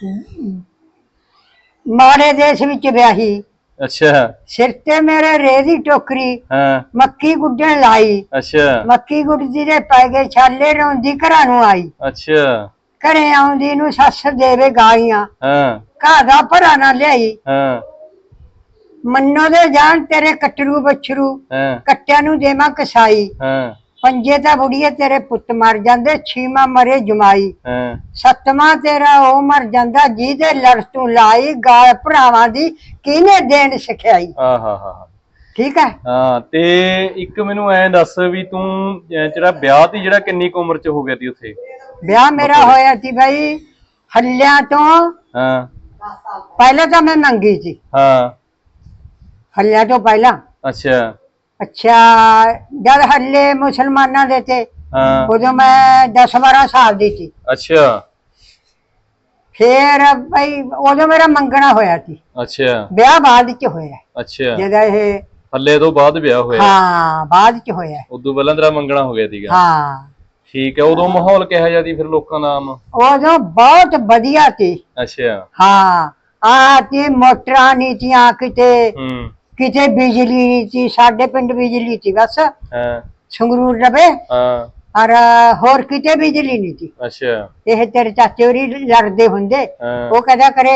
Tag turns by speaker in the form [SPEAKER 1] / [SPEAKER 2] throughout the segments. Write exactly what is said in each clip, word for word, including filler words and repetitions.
[SPEAKER 1] माड़े देश विच ब्याही।
[SPEAKER 2] अच्छा।
[SPEAKER 1] सिर ते मेरे रेदी टोकरी।
[SPEAKER 2] हाँ।
[SPEAKER 1] मक्की गुड्डन लाई।
[SPEAKER 2] अच्छा।
[SPEAKER 1] मक्की गुड्डदी दे पै गए छाले रोंदी घरां नूं आई।
[SPEAKER 2] अच्छा।
[SPEAKER 1] घरे आउंदी नूं सੱਸ देवे गालियां।
[SPEAKER 2] हाँ।
[SPEAKER 1] घा दा भरा ना लियाई।
[SPEAKER 2] हाँ।
[SPEAKER 1] मन्नो दे जान तेरे कटरू बछरू।
[SPEAKER 2] हाँ।
[SPEAKER 1] कट्टियां नूं देवां कसाई।
[SPEAKER 2] हाँ।
[SPEAKER 1] पंजे तां बुढ़िए तेरे पुत्त मर जांदे, छीवां मरे जमाई।
[SPEAKER 2] हाँ।
[SPEAKER 1] सतवां तेरा ओ मर जांदा जिहदे लड़ तूं लाई। गाल भरावां दी किहने देण सिखियाई।
[SPEAKER 2] हाँ हाँ हाँ।
[SPEAKER 1] ठीक है।
[SPEAKER 2] हाँ ते एक मैनू ऐ दस भी तू जेड़ा ब्याह ती जेड़ा किन्नी क उम्र च हो गया ती उत्थे?
[SPEAKER 1] ब्याह मेरा होया थी भाई हल्लिया तो।
[SPEAKER 2] हाँ।
[SPEAKER 1] पहले तो मैं मंगी थी।
[SPEAKER 2] हाँ।
[SPEAKER 1] हल्लिया तो पहला।
[SPEAKER 2] अच्छा।
[SPEAKER 1] अच्छा जब हल्ले मुसलमाना दे थे।
[SPEAKER 2] हाँ।
[SPEAKER 1] उदो मैं दस बारह साल दी थी।
[SPEAKER 2] अच्छा।
[SPEAKER 1] फिर भाई उदो मेरा मंगना होया थी।
[SPEAKER 2] अच्छा।
[SPEAKER 1] ब्याह बाद च होया।
[SPEAKER 2] अच्छा।
[SPEAKER 1] जदा ये
[SPEAKER 2] हल्ले तो बाद ब्याह होया?
[SPEAKER 1] हाँ बाद च होया।
[SPEAKER 2] उदों पहला तेरा मंगना हो गया थीगा?
[SPEAKER 1] हाँ।
[SPEAKER 2] ठीक है। उदों माहौल किहो जिहा सी फिर लोकां दा आम?
[SPEAKER 1] उदो बहुत बढ़िया थी।
[SPEAKER 2] अच्छा।
[SPEAKER 1] हाँ आ ती मोटरां नहीं थियां किते।
[SPEAKER 2] हम्म।
[SPEAKER 1] किते बिजली नहीं थी, साडे पिंड बिजली थी बस।
[SPEAKER 2] हाँ।
[SPEAKER 1] संगरूर रवे।
[SPEAKER 2] हाँ।
[SPEAKER 1] और होर किते बिजली नहीं थी।
[SPEAKER 2] अच्छा।
[SPEAKER 1] ये तेरे चाचे होरी लड़दे हुंदे।
[SPEAKER 2] हाँ।
[SPEAKER 1] वो कहदा करे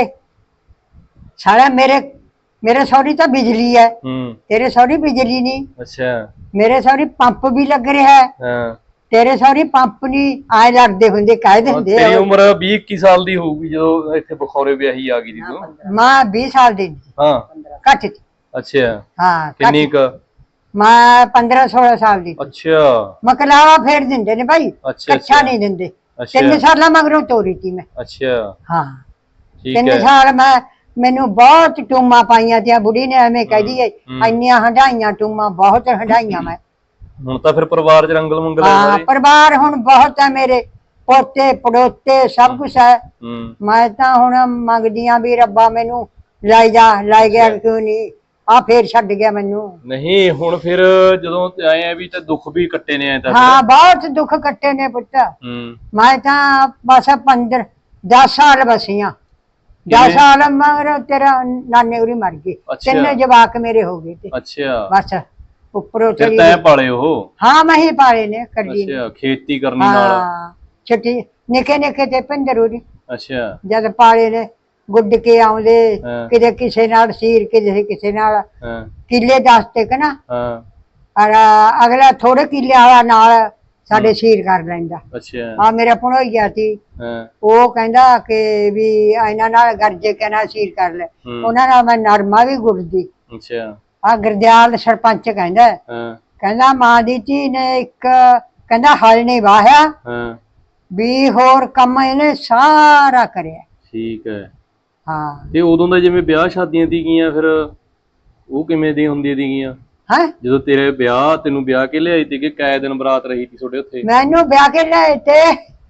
[SPEAKER 1] साला मेरे मेरे सौरी तो बिजली है,
[SPEAKER 2] हम्म।
[SPEAKER 1] तेरे सौरी बिजली नहीं।
[SPEAKER 2] अच्छा।
[SPEAKER 1] मेरे सौरी पंप भी लग रहा है,
[SPEAKER 2] हाँ।
[SPEAKER 1] तेरे सौरी पंप नहीं। आए लड़दे हुंदे कह दिंदे।
[SPEAKER 2] तेरी उम्र बीस इक्की साल दी होगी जो इत्थे बखौरे ब्याही आ गई थी तू?
[SPEAKER 1] मैं बीस साल दी थी।
[SPEAKER 2] हाँ।
[SPEAKER 1] घट थी।
[SPEAKER 2] अच्छा।
[SPEAKER 1] हाँ
[SPEAKER 2] किन्नी क?
[SPEAKER 1] मैं पंद्रह सोलह साल दी थी।
[SPEAKER 2] अच्छा।
[SPEAKER 1] मकलावा फेर दिंदे ने भाई।
[SPEAKER 2] अच्छा।
[SPEAKER 1] कच्चा नहीं दिंदे।
[SPEAKER 2] अच्छा।
[SPEAKER 1] तीन साल मगरों तोरी थी मैं।
[SPEAKER 2] अच्छा।
[SPEAKER 1] हाँ
[SPEAKER 2] ठीक
[SPEAKER 1] तीन
[SPEAKER 2] है।
[SPEAKER 1] साल मैं मैनू बहुत टूमा पाइया थी बुढ़ी ने एवें कह दी इन्नियां हंडाइया टूमा बहुत हंडाइया मैं।
[SPEAKER 2] हुण तां फिर परिवार च रंगल मंगल है
[SPEAKER 1] हाँ
[SPEAKER 2] सारे?
[SPEAKER 1] परिवार हुण बहुत है मेरे, पोते पड़ोते सब कुछ है। मैं तां हुण मंगदियां भी रब्बा मैनू लाई जा, लाई गया क्यों नहीं, आ फिर छड्ड गया मैनू।
[SPEAKER 2] नहीं हुण फिर जदों आए आ भी ते दुख भी कट्टे ने आए तां?
[SPEAKER 1] हाँ बहुत दुख कट्टे ने पुत्त। मैं तां बस पंद्रह दस साल बसियां। दस साल मगर तेरा नाने उरी मर गए। तीन जवाक मेरे हो गए थे।
[SPEAKER 2] अच्छा।
[SPEAKER 1] बस उपरों
[SPEAKER 2] चली तैं पाले हो?
[SPEAKER 1] हाँ मैं ही पाले ने कर ली।
[SPEAKER 2] अच्छा खेती करनी नाल?
[SPEAKER 1] हाँ छोटी निके निके थे पिंदर उरी।
[SPEAKER 2] अच्छा।
[SPEAKER 1] जद पाले ने गुड्ड के आउंदे किते किसे नाल सीर किते किसे नाल किले दस ते कना। और अगला थोड़े किले वाला नाल साडे सीर कर लैंदा।
[SPEAKER 2] अच्छा।
[SPEAKER 1] आ मेरा भणोइया सी ਉਹ ਕਹਿੰਦਾ ਕਿ ਵੀ ਇਹਨਾਂ ਨਾਲ ਗਰਜੇ ਕੇ ਨਾਲ ਸੀਰ ਕਰ ਲੈ। ਉਹਨਾਂ ਨਾਲ ਮੈਂ ਨਰਮਾ ਵੀ ਗੁੱਡਦੀ।
[SPEAKER 2] ਅੱਛਾ।
[SPEAKER 1] ਆ ਗੁਰਦਿਆਲ ਸਰਪੰਚ ਕਹਿੰਦਾ ਕਹਿੰਦਾ ਮਾਂ ਦੀ ਧੀ ਨੇ ਇੱਕ ਕਹਿੰਦਾ ਹਲ ਨਹੀਂ ਵਾਹਿਆ ਵੀ ਹੋਰ ਕੰਮ ਇਹਨੇ ਸਾਰਾ ਕਰਿਆ।
[SPEAKER 2] ਠੀਕ ਹੈ।
[SPEAKER 1] ਹਾਂ
[SPEAKER 2] ਤੇ ਉਦੋਂ ਦਾ ਜਿਵੇਂ ਵਿਆਹ ਸ਼ਾਦੀਆਂ ਦੀ ਗਈਆਂ ਫਿਰ ਉਹ ਕਿਵੇਂ ਦੀ ਹੁੰਦੀਆਂ ਸੀਗੀਆਂ?
[SPEAKER 1] ਹੈ
[SPEAKER 2] ਜਦੋਂ ਤੇਰੇ ਵਿਆਹ ਤੈਨੂੰ ਵਿਆਹ ਕੇ ਲਿਆਈ ਸੀ ਕਿ ਕੈ ਦਿਨ ਬਰਾਤ ਰਹੀ ਸੀ ਤੁਹਾਡੇ ਉੱਥੇ?
[SPEAKER 1] ਮੈਨੂੰ ਵਿਆਹ ਕੇ ਲਿਆਏ ਤੇ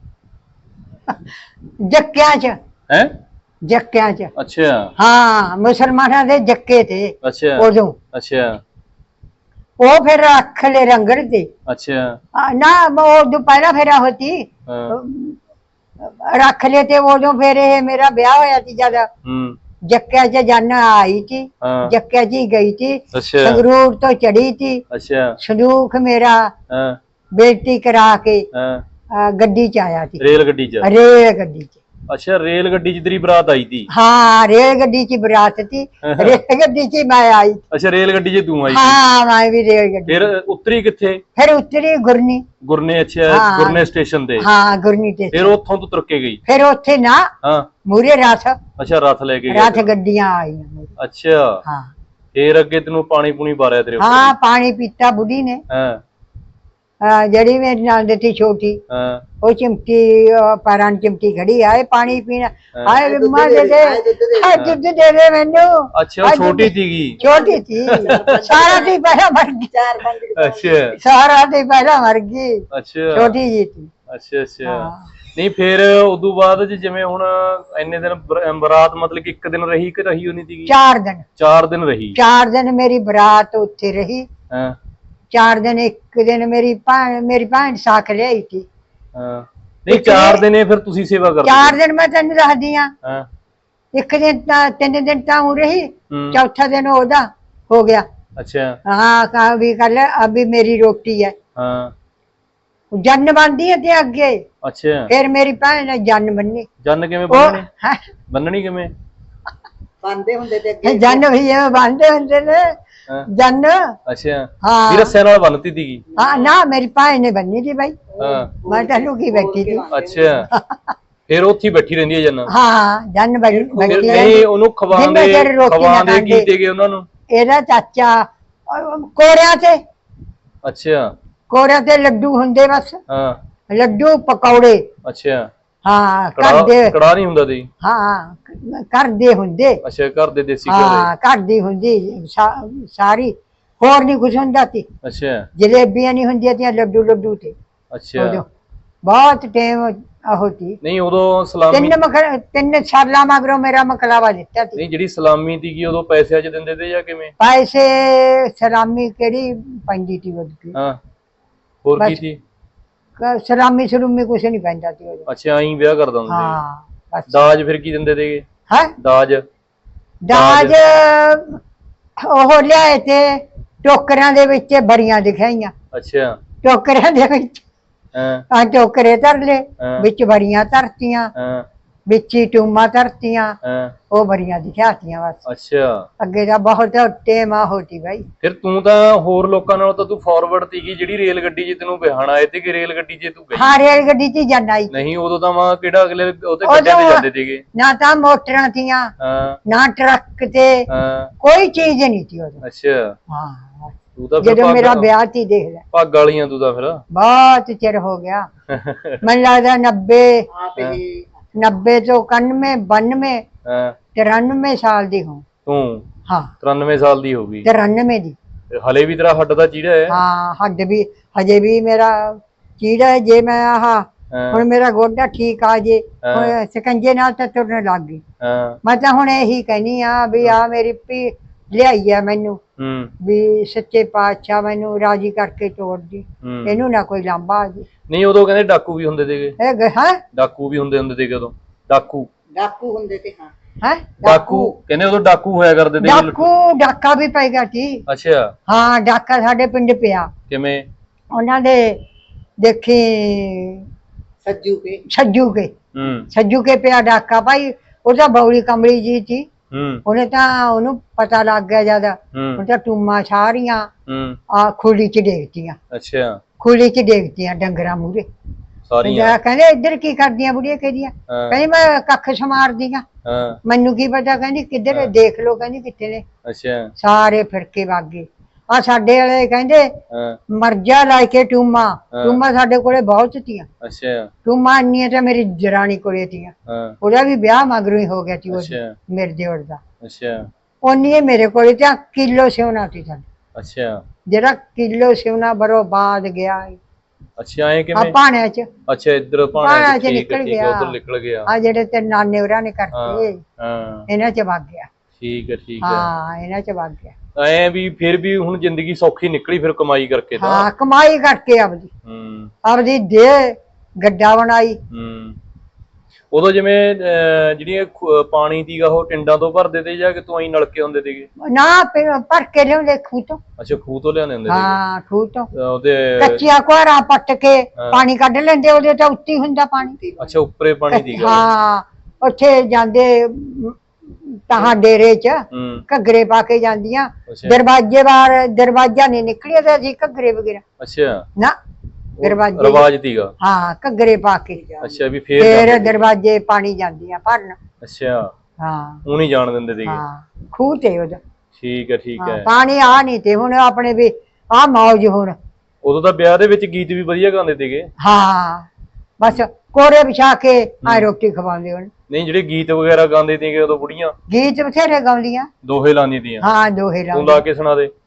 [SPEAKER 1] ਜੱਕਿਆਂ ਚ। ਹੈ ਜੱਕਿਆਂ ਚ? ਅੱਛਾ। ਹਾਂ ਮੁਸਲਮਾਨਾਂ ਦੇ ਜੱਕੇ ਤੇ। ਅੱਛਾ ਉਦੋਂ। ਅੱਛਾ। ਉਹ ਫਿਰ ਰੱਖ ਲੈ ਰੰਗੜ ਤੇ। ਅੱਛਾ ਨਾ ਉਹ ਪਹਿਲਾ ਫੇਰਾ ਹੋਤੀ ਰੱਖ ਲੈ ਤੇ ਉਦੋਂ ਫਿਰ ਇਹ ਮੇਰਾ ਵਿਆਹ ਹੋਇਆ ਸੀ ਜਦ ਜੱਕਿਆਂ ਚ ਜਾਨਾ ਆਈ ਸੀ। ਜੱਕਿਆਂ ਚ ਹੀ ਗਈ ਸੀ। ਸੰਗਰੂਰ ਤੋਂ ਚੜੀ ਸੀ। ਸੰਦੂਖ ਮੇਰਾ ਬੇਟੀ ਕਰਾ ਕੇ ਗੱਡੀ ਚ ਆਇਆ ਸੀ। ਰੇਲ ਗੱਡੀ ਚ? ਰੇਲ ਗੱਡੀ ਚ। ਅੱਛਾ ਰੇਲ ਗੱਡੀ ਚ ਤੇਰੀ ਬਰਾਤ ਆਈ ਸੀ? ਹਾਂ ਰੇਲ ਗੱਡੀ ਚ ਬਰਾਤ ਸੀ। ਰੇਲ ਗੱਡੀ ਚ ਮੈਂ ਆਈ। ਅੱਛਾ ਰੇਲ ਗੱਡੀ ਚ ਤੂੰ ਆਈ? ਹਾਂ ਮੈਂ ਵੀ ਰੇਲ ਗੱਡੀ। ਫਿਰ ਉਤਰੀ ਕਿੱਥੇ? ਫਿਰ ਉਤਰੀ ਗੁਰਨੀ। ਗੁਰਨੇ? ਅੱਛਾ ਗੁਰਨੇ ਸਟੇਸ਼ਨ ਤੇ? ਹਾਂ ਗੁਰਨੀ ਤੇ। ਫਿਰ ਉੱਥੋਂ ਤੂੰ ਤੁਰ ਕੇ ਗਈ? ਫਿਰ ਉੱਥੇ ਨਾ ਹਾਂ ਮੂਰੇ ਰਥ। ਅੱਛਾ ਰਥ ਲੈ ਕੇ ਗਈ? ਰਥ ਗੱਡੀਆਂ ਆਈਆਂ। ਅੱਛਾ ਹਾਂ। ਫਿਰ ਅੱਗੇ ਤੈਨੂੰ ਪਾਣੀ ਪੂਣੀ ਬਾਰਿਆ ਤੇਰੇ? ਹਾਂ ਪਾਣੀ ਪੀਤਾ ਬੁੱਢੀ ਨੇ। ਹਾਂ जड़ी मेरी नाल थी छोटी वो चिमटी पैरां चिमटी खड़ी आए पानी पीना आए बिम्मा दे दे दुध दे दे मैनू। अच्छा छोटी थी छोटी थी सारा थी पहला मर गई। अच्छा सारा थी पहला मर गई। अच्छा छोटी जी थी। अच्छा अच्छा नहीं फिर उदू बाद जिवें हुण इन्ने दिन बरात मतलब कि एक दिन रही कि रही होनी थी? चार दिन। चार दिन रही? चार दिन मेरी बरात उत्थे रही। चार दिन एक दिन मेरी भैन मेरी भैन साख लियाई थी।
[SPEAKER 2] ਨਹੀਂ ਚਾਰ ਦਿਨ ਫਿਰ ਤੁਸੀਂ ਸੇਵਾ ਕਰਦੇ?
[SPEAKER 1] ਚਾਰ ਦਿਨ ਮੈਂ ਤੈਨੂੰ ਦੱਸਦੀ ਆ।
[SPEAKER 2] ਹਾਂ
[SPEAKER 1] ਇੱਕ ਦਿਨ ਤਾਂ ਤਿੰਨ ਦਿਨ ਤਾਂ ਹੋ ਰਹੀ, ਚੌਥਾ ਦਿਨ ਉਹਦਾ ਹੋ ਗਿਆ।
[SPEAKER 2] अच्छा
[SPEAKER 1] हाँ कहा भी कर ले, अभी मेरी रोटी है।
[SPEAKER 2] हाँ
[SPEAKER 1] जन्न बनती है ते अगे।
[SPEAKER 2] अच्छा
[SPEAKER 1] फिर मेरी भैन ने जन्न बननी।
[SPEAKER 2] जन्न किवें बननी? बननी किवें?
[SPEAKER 1] बनदे हुंदे ते अगे जन्न भी एवें बनदे हुंदे ने जन्न।
[SPEAKER 2] अच्छा
[SPEAKER 1] हाँ
[SPEAKER 2] फिर रस्से नाल बनती थी?
[SPEAKER 1] हाँ ना मेरी भैन ने बननी थी भाई। हाँ मैं तो लुकी बैठी थी।
[SPEAKER 2] अच्छा फिर उत्थे बैठी रहंदी है जन्न?
[SPEAKER 1] हाँ जन्न बैठी बैठी
[SPEAKER 2] नहीं ओनू खवांदे खवांदे की देगे उन्हां नू?
[SPEAKER 1] ਇਹਦਾ ਚਾਚਾ ਕੋਰਿਆਂ ਤੇ।
[SPEAKER 2] ਅੱਛਾ
[SPEAKER 1] ਕੋਰਿਆਂ ਤੇ ਲੱਡੂ ਹੁੰਦੇ ਬਸ।
[SPEAKER 2] ਹਾਂ
[SPEAKER 1] ਲੱਡੂ ਪਕੌੜੇ।
[SPEAKER 2] ਅੱਛਾ
[SPEAKER 1] ਹਾਂ ਘਰ ਦੇ
[SPEAKER 2] ਕੜਾ ਨਹੀਂ ਹੁੰਦਾ ਦੀ?
[SPEAKER 1] ਹਾਂ ਘਰ ਦੇ ਹੁੰਦੇ।
[SPEAKER 2] ਅੱਛਾ ਘਰ ਦੇ ਦੇਸੀ ਘਿਓ ਦੇ?
[SPEAKER 1] ਹਾਂ ਘਰ ਦੀ ਹੁੰਦੀ ਸਾਰੀ, ਹੋਰ ਨਹੀਂ ਕੁਝ ਹੁੰਦਾ ਸੀ।
[SPEAKER 2] ਅੱਛਾ
[SPEAKER 1] ਜਲੇਬੀਆਂ ਨਹੀਂ ਹੁੰਦੀਆਂ ਤੀਆਂ, ਲੱਡੂ ਲੱਡੂ ਤੇ।
[SPEAKER 2] ਅੱਛਾ
[SPEAKER 1] ਬਹੁਤ ਟਾਈਮ ਹੋਤੀ
[SPEAKER 2] ਨਹੀਂ ਉਦੋਂ ਸਲਾਮੀ
[SPEAKER 1] ਤਿੰਨ ਮਖ ਤਿੰਨ ਸਾਲਾਂ ਮਗਰੋਂ ਮੇਰਾ ਮਕਲਾਵਾ ਦਿੱਤਾ ਸੀ।
[SPEAKER 2] ਨਹੀਂ ਜਿਹੜੀ ਸਲਾਮੀ ਸੀਗੀ ਉਦੋਂ ਪੈਸਿਆਂ 'ਚ ਦਿੰਦੇ ਤੇ ਜਾਂ ਕਿਵੇਂ?
[SPEAKER 1] ਪੈਸੇ ਸਲਾਮੀ ਕਿਹੜੀ ਪੈਂਦੀ ਸੀ ਉਹਦੀ?
[SPEAKER 2] ਹਾਂ ਹੋਰ ਕੀ ਸੀ?
[SPEAKER 1] ਸਲਾਮੀ ਸਲੂਮੀ ਕੁਛ ਨਹੀਂ ਪੈਂਦਾ ਸੀ ਉਦੋਂ।
[SPEAKER 2] ਅੱਛਾ ਆਈ ਵਿਆਹ ਕਰ ਦਿੰਦੇ?
[SPEAKER 1] ਹਾਂ
[SPEAKER 2] ਦਾਜ ਫਿਰ ਕੀ ਦਿੰਦੇ ਤੇਗੇ?
[SPEAKER 1] ਹੈ
[SPEAKER 2] ਦਾਜ
[SPEAKER 1] ਦਾਜ ਉਹ ਲਿਆਏ ਤੇ ਟੋਕਰਿਆਂ ਦੇ ਵਿੱਚ ਬੜੀਆਂ ਦਿਖਾਈਆਂ।
[SPEAKER 2] ਅੱਛਾ
[SPEAKER 1] ਟੋਕਰਿਆਂ ਦੇ ਵਿੱਚ ਹਾਂ ਟੋਕਰੇ ਧਰ ਲੇ, ਵਿੱਚ ਬੜੀਆਂ ਧਰਤੀਆਂ, ਵਿੱਚ ਹੀ ਟੂਮਾਂ ਧਰਤੀਆਂ, ਉਹ ਬੜੀਆਂ ਦਿਖਾਤੀਆਂ ਬਸ।
[SPEAKER 2] ਅੱਛਾ
[SPEAKER 1] ਅੱਗੇ ਦਾ ਬਹੁਤ ਟਾਈਮ ਆ ਹੋਤੀ ਭਾਈ।
[SPEAKER 2] ਫਿਰ ਤੂੰ ਤਾਂ ਹੋਰ ਲੋਕਾਂ ਨਾਲੋਂ ਤਾਂ ਤੂੰ ਫਾਰਵਰਡ ਸੀਗੀ, ਜਿਹੜੀ ਰੇਲ ਗੱਡੀ 'ਚ ਤੈਨੂੰ ਬਿਹਾਨ ਆਏ ਤੇ ਕਿ ਰੇਲ ਗੱਡੀ 'ਚ ਤੂੰ ਗਈ?
[SPEAKER 1] ਹਾਂ ਰੇਲ ਗੱਡੀ 'ਚ ਜਾਣਾ ਹੀ
[SPEAKER 2] ਨਹੀਂ ਉਦੋਂ ਤਾਂ ਮਾਂ ਕਿਹੜਾ ਅਗਲੇ ਉਹਤੇ ਗੱਡਿਆਂ ਤੇ ਜਾਂਦੇ ਸੀਗੇ।
[SPEAKER 1] ਨਾ ਤਾਂ ਮੋਟਰਾਂ ਤੀਆਂ ਨਾ ਟਰੱਕ ਤੇ, ਕੋਈ ਚੀਜ਼ ਨਹੀਂ ਸੀ ਉਦੋਂ।
[SPEAKER 2] ਅੱਛਾ
[SPEAKER 1] ਹਾਂ
[SPEAKER 2] ਤੂੰ ਤਾਂ
[SPEAKER 1] ਜਦੋਂ ਮੇਰਾ ਵਿਆਹ ਸੀ ਦੇਖ ਲੈ।
[SPEAKER 2] ਪੱਗ ਵਾਲੀਆਂ ਤੂੰ ਤਾਂ ਫਿਰ
[SPEAKER 1] ਬਹੁਤ ਚਿਰ ਹੋ ਗਿਆ, ਮੈਨੂੰ ਲੱਗਦਾ ਨੱਬੇ ਨੱਬੇ ਤੋਂ ਇਕਾਨਵੇਂ ਬਾਨਵੇਂ ਤਿਰਾਨਵੇਂ ਸਾਲ ਦੀ ਹੂੰ
[SPEAKER 2] ਤੂੰ।
[SPEAKER 1] ਹਾਂ
[SPEAKER 2] ਤਿਰਾਨਵੇਂ ਸਾਲ ਦੀ ਹੋ ਗਈ?
[SPEAKER 1] ਤਿਰਾਨਵੇਂ ਦੀ।
[SPEAKER 2] ਹਲੇ ਵੀ ਤੇਰਾ ਹੱਡ ਦਾ ਚੀੜਾ ਹੈ?
[SPEAKER 1] ਹਾਂ ਹੱਡ ਵੀ ਹਜੇ ਵੀ ਮੇਰਾ ਚੀੜਾ ਹੈ। ਜੇ ਮੈਂ ਆਹ ਹੁਣ ਮੇਰਾ ਗੋਡਾ ਠੀਕ ਆ ਜੇ, ਹੁਣ ਸਕੰਜੇ ਨਾਲ ਤਾਂ ਤੁਰਨ ਲੱਗ ਗਈ। ਮੈਂ ਤਾਂ ਹੁਣ ਇਹੀ ਕਹਿਨੀ ਆ ਵੀ ਆ ਮੇਰੀ ਪੀ ਲਿਆਈ ਆ ਮੈਨੂੰ ਵੀ ਸੱਚੇ ਪਾਤਸ਼ਾਹ ਮੈਨੂੰ ਰਾਜੀ ਕਰਕੇ ਤੋੜ ਦੀ, ਇਹਨੂੰ ਨਾ ਕੋਈ ਲਾਂਭਾ ਆ ਜੇ।
[SPEAKER 2] ਨਹੀਂ ਉਦੋਂ ਕਹਿੰਦੇ ਡਾਕੂ ਵੀ ਹੁੰਦੇ ਸੀਗੇ?
[SPEAKER 1] ਹੈ
[SPEAKER 2] ਡਾਕੂ ਵੀ ਹੁੰਦੇ ਹੁੰਦੇ ਸੀਗੇ ਉਦੋਂ? ਡਾਕੂ
[SPEAKER 1] ਡਾਕੂ ਹੁੰਦੇ ਤੇ ਹਾਂ ਹੈ
[SPEAKER 2] ਡਾਕੂ ਕਹਿੰਦੇ ਉਦੋਂ ਡਾਕੂ ਹੋਇਆ ਕਰਦੇ ਤੇ?
[SPEAKER 1] ਡਾਕੂ ਡਾਕਾ ਵੀ ਪੈ ਗਿਆ ਸੀ।
[SPEAKER 2] ਅੱਛਾ
[SPEAKER 1] ਹਾਂ ਡਾਕਾ ਸਾਡੇ ਪਿੰਡ ਪਿਆ।
[SPEAKER 2] ਕਿਵੇਂ?
[SPEAKER 1] ਉਹਨਾਂ ਦੇ ਦੇਖੀ ਸੱਜੂ ਕੇ ਸੱਜੂ ਕੇ
[SPEAKER 2] ਹੂੰ
[SPEAKER 1] ਸੱਜੂ ਕੇ ਪਿਆ ਡਾਕਾ ਭਾਈ। ਉਹਦਾ ਬੌਲੀ ਕਮਲੀ ਜੀ ਸੀ। ਉਹਨੇ ਤਾਂ ਉਹਨੂੰ ਪਤਾ ਲੱਗ ਗਿਆ ਜਿਆਦਾ, ਉਹ ਤਾਂ ਟੂਮਾਂ ਸਾਰੀਆਂ ਆ ਖੁੱਲੀ 'ਚ ਡੇਗਤੀਆਂ। ਅੱਛਾ ਖੁੱਲੀ 'ਚ ਡੇਗਤੀਆਂ ਡੰਗਰਾਂ ਮੂਹਰੇ ਸਾਰੀਆਂ। ਕਹਿੰਦੇ ਇੱਧਰ ਕੀ ਕਰਦੀਆਂ ਬੁੜੀਆਂ? ਕਹਿੰਦੀਆਂ ਕਹਿੰਦੀ ਮੈਂ ਕੱਖ ਸਮਾਰਦੀ ਆ। ਮੈਨੂੰ ਕੀ ਪਤਾ, ਕਹਿੰਦੀ ਕਿੱਧਰ ਦੇਖ ਲੋ, ਕਹਿੰਦੀ ਕਿੱਥੇ ਨੇ। ਅੱਛਾ ਸਾਰੇ ਫਿਰਕੇ ਵਗ ਗਏ। ਆ ਸਾਡੇ ਵਾਲੇ ਕਹਿੰਦੇ ਮਰਜਾ ਲੈ ਕੇ ਟੂਮਾ, ਟੂਮਾ ਸਾਡੇ ਕੋਲੇ ਬਹੁਤ ਤੀਆਂ। ਅੱਛਾ ਟੂਮਾ ਇੰਨੀਆਂ ਤਾਂ ਮੇਰੀ ਜਰਾਨੀ ਕੋਲੇ ਤੀਆਂ, ਉਹਦਾ ਵੀ ਵਿਆਹ ਮਗਰੋਂ ਹੀ ਹੋ ਗਿਆ ਸੀ ਮੇਰੇ ਦਿਓਰ ਦਾ। ਅੱਛਾ ਉਹਨੀ ਮੇਰੇ ਕੋਲੇ ਤਾਂ ਕਿਲੋ ਸਿਉਣਾ ਸੀ ਸਾਡਾ। ਅੱਛਾ ਜਿਹੜਾ ਕਿਲੋ ਸਿਉਣਾ ਬਰੋਬਾਦ ਗਿਆ।
[SPEAKER 2] ਅੱਛਾ ਐ ਕਿਵੇਂ?
[SPEAKER 1] ਪਾਣਿਆਂ 'ਚ।
[SPEAKER 2] ਅੱਛਾ ਇੱਧਰ
[SPEAKER 1] ਪਾਣਿਆਂ 'ਚ ਨਿਕਲ ਗਿਆ,
[SPEAKER 2] ਉਧਰ ਨਿਕਲ ਗਿਆ।
[SPEAKER 1] ਆ ਜਿਹੜੇ ਤੇ ਨਾਨੇ ਹੋਰਾਂ ਨੇ ਕਰਤੇ ਇਹਨਾਂ 'ਚ ਵਗ ਗਿਆ।
[SPEAKER 2] ਠੀਕ ਹੈ ਠੀਕ ਹੈ।
[SPEAKER 1] ਹਾਂ ਇਹਨਾਂ 'ਚ ਵਗ ਗਿਆ।
[SPEAKER 2] ਐ ਵੀ ਫਿਰ ਵੀ ਹੁਣ ਜ਼ਿੰਦਗੀ ਸੌਖੀ ਨਿਕਲੀ ਫਿਰ ਕਮਾਈ ਕਰਕੇ ਤਾਂ?
[SPEAKER 1] ਹਾਂ ਕਮਾਈ ਕਰਕੇ ਆਪਦੀ
[SPEAKER 2] ਹੂੰ ਆਪਦੀ
[SPEAKER 1] ਦੇ ਗੱਡਾ ਬਣਾਈ।
[SPEAKER 2] ਹੂੰ ਉਦੋਂ ਜਿਵੇਂ ਜਿਹੜੀਆਂ ਪਾਣੀ ਦੀਗਾ ਉਹ ਟਿੰਡਾਂ ਤੋਂ ਭਰਦੇ ਤੇ ਜਾਂ ਕਿ ਤੂੰ ਆਈ ਨਲਕੇ ਹੁੰਦੇ ਸੀਗੇ? ਨਾ
[SPEAKER 1] ਭਰ ਕੇ ਲਿਆਉਂਦੇ ਖੂਹ ਤੋਂ।
[SPEAKER 2] ਅੱਛਾ ਖੂਹ ਤੋਂ ਲਿਆਉਂਦੇ ਹੁੰਦੇ?
[SPEAKER 1] ਹਾਂ ਖੂਹ ਤੋਂ
[SPEAKER 2] ਉਹਦੇ
[SPEAKER 1] ਕੱਚੀਆਂ ਕੁਹਾਰਾਂ ਪੱਟ ਕੇ ਪਾਣੀ ਕੱਢ ਲੈਂਦੇ, ਉਹਦੇ ਤਾਂ ਉੱਤੇ ਹੁੰਦਾ ਪਾਣੀ।
[SPEAKER 2] ਅੱਛਾ ਉੱਪਰੇ ਪਾਣੀ ਦੀਗਾ?
[SPEAKER 1] ਹਾਂ ਉੱਥੇ ਜਾਂਦੇ ਤਾਂ ਡੇਰੇ 'ਚ ਘੱਗਰੇ ਪਾ ਕੇ ਜਾਂਦੀਆਂ, ਦਰਵਾਜ਼ੇ ਬਾਹਰ ਦਰਵਾਜ਼ਾ ਨਹੀਂ ਨਿਕਲਿਆ ਤਾਂ ਅਸੀਂ ਘੱਗਰੇ ਵਗੈਰਾ। ਅੱਛਾ ਨਾ ਦਰਵਾਜ਼ੇ
[SPEAKER 2] ਰਿਵਾਜ ਸੀਗਾ?
[SPEAKER 1] ਹਾਂ ਘੱਗਰੇ ਪਾ ਕੇ।
[SPEAKER 2] ਅੱਛਾ ਵੀ ਫੇਰ
[SPEAKER 1] ਫੇਰ ਦਰਵਾਜ਼ੇ ਪਾਣੀ ਜਾਂਦੀਆਂ ਭਰਨ।
[SPEAKER 2] ਅੱਛਾ
[SPEAKER 1] ਹਾਂ
[SPEAKER 2] ਉਹ ਨਹੀਂ ਜਾਣ ਦਿੰਦੇ ਸੀਗੇ?
[SPEAKER 1] ਹਾਂ ਖੂਹ ਤੇ ਉਹਦਾ।
[SPEAKER 2] ਠੀਕ ਹੈ ਠੀਕ ਹੈ।
[SPEAKER 1] ਪਾਣੀ ਆ ਨਹੀਂ ਤੇ ਹੁਣ ਆਪਣੇ ਵੀ ਆ ਮੌਜ। ਹੁਣ
[SPEAKER 2] ਉਦੋਂ ਤਾਂ ਵਿਆਹ ਦੇ ਵਿੱਚ ਗੀਤ ਵੀ ਵਧੀਆ ਗਾਉਂਦੇ ਸੀਗੇ?
[SPEAKER 1] ਹਾਂ ਬਸ ਕੋਰੇ ਵਿਛਾ ਕੇ ਆ ਰੋਟੀ ਖਵਾਉਂਦੇ ਹੁਣ।
[SPEAKER 2] ਨਹੀਂ ਜਿਹੜੇ ਗੀਤ ਵਗੈਰਾ ਗਾਉਂਦੇ ਸੀਗੇ ਉਦੋਂ ਬੁੜੀਆਂ?
[SPEAKER 1] ਗੀਤ ਬਥੇਰੇ ਗਾਉਂਦੀਆਂ,
[SPEAKER 2] ਦੋਹੇ ਲਾਉਂਦੀਆਂ ਤੀਆਂ? ਹਾਂ
[SPEAKER 1] ਦੋਹੇ ਲਾਉਂਦੀਆਂ।
[SPEAKER 2] ਤੂੰ ਲਾ ਕੇ ਸੁਣਾ ਦੇ।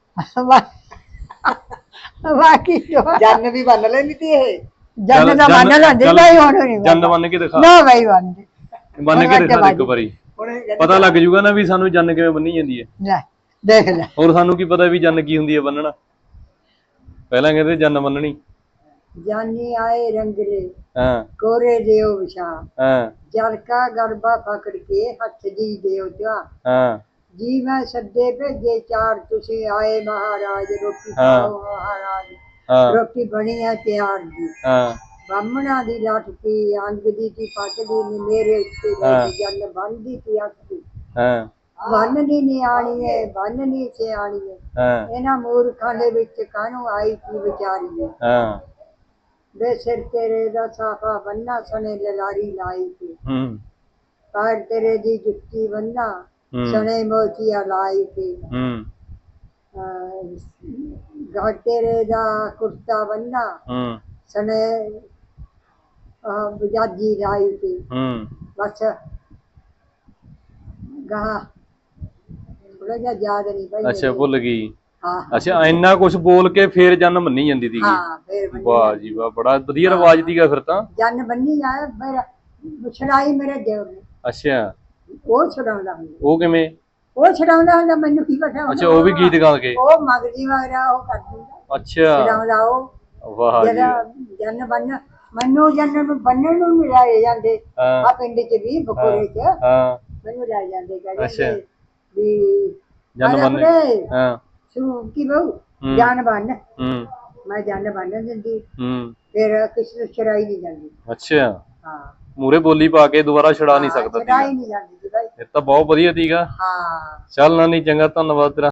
[SPEAKER 1] ਬਾਕੀ
[SPEAKER 3] ਜੰਨ ਵੀ ਬੰਨ ਲੈਂਦੀ ਤੀ ਇਹ?
[SPEAKER 1] ਜੰਨ ਦਾ ਬੰਨ ਲੈਂਦੇ ਨਹੀਂ ਹੁਣ ਨਹੀਂ।
[SPEAKER 2] ਜੰਨ ਬੰਨ ਕੇ ਦਿਖਾ।
[SPEAKER 1] ਨਾ ਬਾਈ ਬੰਨ
[SPEAKER 2] ਬੰਨ ਕੇ ਦਿਖਾ ਇੱਕ ਵਾਰੀ, ਪਤਾ ਲੱਗ ਜੂਗਾ ਨਾ ਵੀ ਸਾਨੂੰ ਜੰਨ ਕਿਵੇਂ ਬੰਨੀ ਜਾਂਦੀ ਹੈ।
[SPEAKER 1] ਲੈ ਦੇਖ ਲੈ।
[SPEAKER 2] ਹੋਰ ਸਾਨੂੰ ਕੀ ਪਤਾ ਵੀ ਜੰਨ ਕੀ ਹੁੰਦੀ ਹੈ ਬੰਨਣਾ? ਪਹਿਲਾਂ ਕਹਿੰਦੇ ਜੰਨ ਬੰਨਣੀ।
[SPEAKER 1] ਜਾਨੀ ਆਏ ਰੰਗਲੇ
[SPEAKER 2] ਹਾਂ
[SPEAKER 1] ਕੋਰੇ ਦਿਓ ਵਿਛਾ
[SPEAKER 2] ਹਾਂ
[SPEAKER 1] ਜਲ ਕਾ ਗਰਬਾ ਪਕੜ ਕੇ ਹੱਥ ਦੀ ਦਿਓ ਜਾ
[SPEAKER 2] ਹਾਂ
[SPEAKER 1] ਜੀ ਮੈਂ ਸੱਦੇ ਭੇਜੇ ਚਾਰ ਤੁਸੀਂ ਆਏ ਮਹਾਰਾਜ ਰੋਟੀ
[SPEAKER 2] ਹਾਂ।
[SPEAKER 1] ਖਾਓ ਮਹਾਰਾਜ
[SPEAKER 2] ਹਾਂ
[SPEAKER 1] ਰੋਟੀ ਬਣੀ ਹੈ ਤਿਆਰ ਜੀ
[SPEAKER 2] ਹਾਂ
[SPEAKER 1] ਬਾਹਮਣਾ ਦੀ ਲਾਠੀ ਅੰਗ ਦੀ ਤੀ ਪੱਟਦੀ ਨੀ ਮੇਰੇ ਉੱਤੇ
[SPEAKER 2] ਹਾਂ।
[SPEAKER 1] ਬੈਠੀ ਜਨ ਬੰਦੀ ਤੀ ਅੱਖੀ
[SPEAKER 2] ਹਾਂ
[SPEAKER 1] ਬੰਨ ਦੀ ਨਿਆਣੀ ਏ ਬੰਨ ਨੀ ਸਿਆਣੀ ਏ
[SPEAKER 2] ਹਾਂ
[SPEAKER 1] ਇਹਨਾਂ ਮੂਰਖਾਂ ਦੇ ਵਿੱਚ ਕਾਹਨੂੰ ਆਈ ਕੀ ਵਿਚਾਰੀ ਏ
[SPEAKER 2] ਹਾਂ
[SPEAKER 1] ਵੇ ਸਿਰ ਤੇਰੇ ਦਾ ਸਾਫਾ ਬੰਨਾ ਸਣੇ ਲਲਾਰੀ ਲਾਈ ਤੇ
[SPEAKER 2] ਹੂੰ
[SPEAKER 1] ਪੈਰ ਤੇਰੇ ਦੀ ਜੁੱਤੀ ਬੰਨਾ
[SPEAKER 2] ਹੂੰ
[SPEAKER 1] ਸਣੇ ਮੋਚੀਆ ਲਾਈ ਤੇ
[SPEAKER 2] ਹੂੰ
[SPEAKER 1] ਗਾ ਤੇਰੇ ਦਾ ਕੁਰਤਾ ਬੰਨਾ
[SPEAKER 2] ਹੂੰ
[SPEAKER 1] ਸਣੇ ਬਜਾਜੀ ਲਾਈ ਤੇ
[SPEAKER 2] ਹੂੰ
[SPEAKER 1] ਬਸ ਗਾ ਥੋੜਾ ਜਿਹਾ ਯਾਦ ਨਹੀਂ ਭਾਈ
[SPEAKER 2] ਅੱਛਾ ਭੁੱਲ ਗਈ
[SPEAKER 1] ਹਾਂ
[SPEAKER 2] ਅੱਛਾ ਇੰਨਾ ਕੁਝ ਬੋਲ ਕੇ ਫੇਰ ਜਨ ਮੰਨੀ ਜਾਂਦੀ ਸੀਗੀ
[SPEAKER 1] ਹਾਂ ਫੇਰ ਬੰਨੀ
[SPEAKER 2] ਵਾਹ ਜੀ ਵਾਹ ਬੜਾ ਵਧੀਆ ਰਿਵਾਜ ਸੀਗਾ ਫਿਰ ਤਾਂ
[SPEAKER 1] ਜਨ ਬੰਨੀ ਜਾਏ ਮੇਰਾ ਛੜਾਈ ਮੇਰੇ ਦੇਵ ਨੇ
[SPEAKER 2] ਅੱਛਾ
[SPEAKER 1] ਉਹ ਛਡਾਉਂਦਾ ਹੁੰਦਾ
[SPEAKER 2] ਉਹ ਕਿਵੇਂ
[SPEAKER 1] ਉਹ ਛਡਾਉਂਦਾ ਹੁੰਦਾ ਮੈਨੂੰ ਕੀ ਪਤਾ
[SPEAKER 2] ਅੱਛਾ ਉਹ ਵੀ ਗੀਤ ਗਾ ਕੇ
[SPEAKER 1] ਉਹ ਮਗਜੀ ਵਗਰਾ ਉਹ ਕਰ ਦਿੰਦਾ
[SPEAKER 2] ਅੱਛਾ
[SPEAKER 1] ਛਡਾਉਂਦਾ ਉਹ
[SPEAKER 2] ਵਾਹ ਜੀ
[SPEAKER 1] ਜਿਹੜਾ ਜਨ ਬੰਨ ਮੈਨੂੰ ਜਨ ਨੂੰ ਬੰਨਣ ਨੂੰ ਮਿਲਾਏ ਜਾਂਦੇ
[SPEAKER 2] ਹਾਂ
[SPEAKER 1] ਆ ਪਿੰਡ ਚ ਵੀ ਬਕੋਰੇ ਚ
[SPEAKER 2] ਹਾਂ
[SPEAKER 1] ਮੈਨੂੰ ਲੈ ਜਾਂਦੇ
[SPEAKER 2] ਅੱਛਾ।
[SPEAKER 1] ਕਹਿੰਦੇ ਵੀ
[SPEAKER 2] ਜਨ
[SPEAKER 1] ਆਜਾ
[SPEAKER 2] ਬੰਨ
[SPEAKER 1] ਕੁੜੇ,
[SPEAKER 2] ਹਾਂ
[SPEAKER 1] ਤੂੰ ਕੀ ਬਹੂ
[SPEAKER 2] ਹੂੰ।
[SPEAKER 1] ਜਾਨ ਬੰਨ
[SPEAKER 2] ਹੂੰ
[SPEAKER 1] ਮੈਂ ਜਾਨ ਬੰਨ ਦਿੰਦੀ
[SPEAKER 2] ਹੂੰ
[SPEAKER 1] ਫਿਰ ਕਿਸੇ ਨੂੰ ਛੜਾਈ ਨਹੀਂ ਜਾਂਦੀ
[SPEAKER 2] ਅੱਛਾ
[SPEAKER 1] ਹਾਂ
[SPEAKER 2] ਮੂਰੇ ਬੋਲੀ ਪਾ ਕੇ ਦੁਬਾਰਾ ਛੜਾ ਨਹੀਂ ਸਕਦਾ
[SPEAKER 1] ਛੜਾਈ
[SPEAKER 2] ਸੀਗਾ
[SPEAKER 1] ਨਹੀਂ ਜਾਂਦੀ ਸੀ ਭਾਈ
[SPEAKER 2] ਫਿਰ ਤਾਂ ਬਹੁਤ ਵਧੀਆ ਸੀਗਾ
[SPEAKER 1] ਹਾਂ
[SPEAKER 2] ਚੱਲ ਨਾਨੀ ਚੰਗਾ ਧੰਨਵਾਦ ਤੇਰਾ